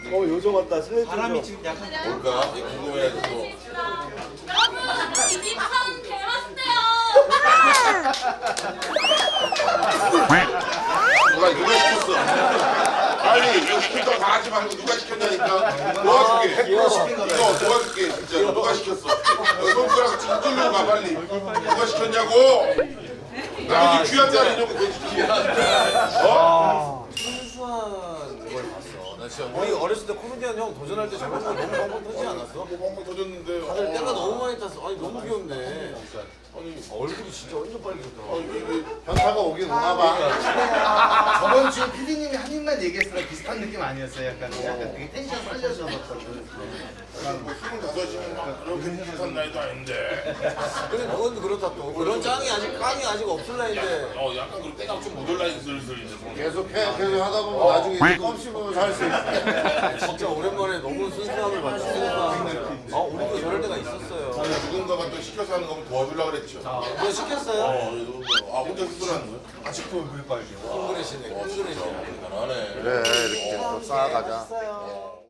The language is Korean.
요정 왔다. 슬래지 바람이 지금 약간 뭘까? 궁금해가지고. 여러분, 이집참 개맛있대요. 누가 시켰어? 빨리 여기 시킨 거 다 하지 말고 누가 시켰냐니까. 도와줄게. 이거 도와줄게 진짜. 누가 시켰어? 손가락 지금 뚫려고 가 빨리. 누가 시켰냐고. 나 이제 귀한 자리 이러고 돼지지. 순수한 걸 봤어. 나 진짜 우리 어렸을 때 코미디언 형 도전할 때 저런 거 너무 방방 터지지 않았어? 뭐 멍멍 터졌는데. 다들 때가 너무 많이 탔어. 아니 너무 귀엽네. 아니 얼굴이 진짜 완전 빨개졌더라. 현타가 오긴 오나 봐. 저번 주에 PD님이 한 입만 얘기했을 비슷한 느낌 아니었어요? 약간 되게 텐션 살려주셨거든. 25이면 막 그렇게 비슷한 나이도 아닌데. 근데 그건 그렇다 또. 그런 깡이 아직 없을 나인데. 약간 그럼 때가 좀 못 올라니 슬슬 이제. 계속 하다 보면 나중에 이제 껌씹으면 살 수 있어. 진짜 오랜만에 너무 순수함을 봤지. 우리도 저럴 때가 있었어요. 누군가가 또 시켜서 하는 거면 도와주려고 그랬죠. 뭐 시켰어요? 혼자 스스로하는 거야? 아직도 큰 그릇이네. 큰 그릇이야. 대단하네. 그래 이렇게 또 쌓아가자. 맛있어요.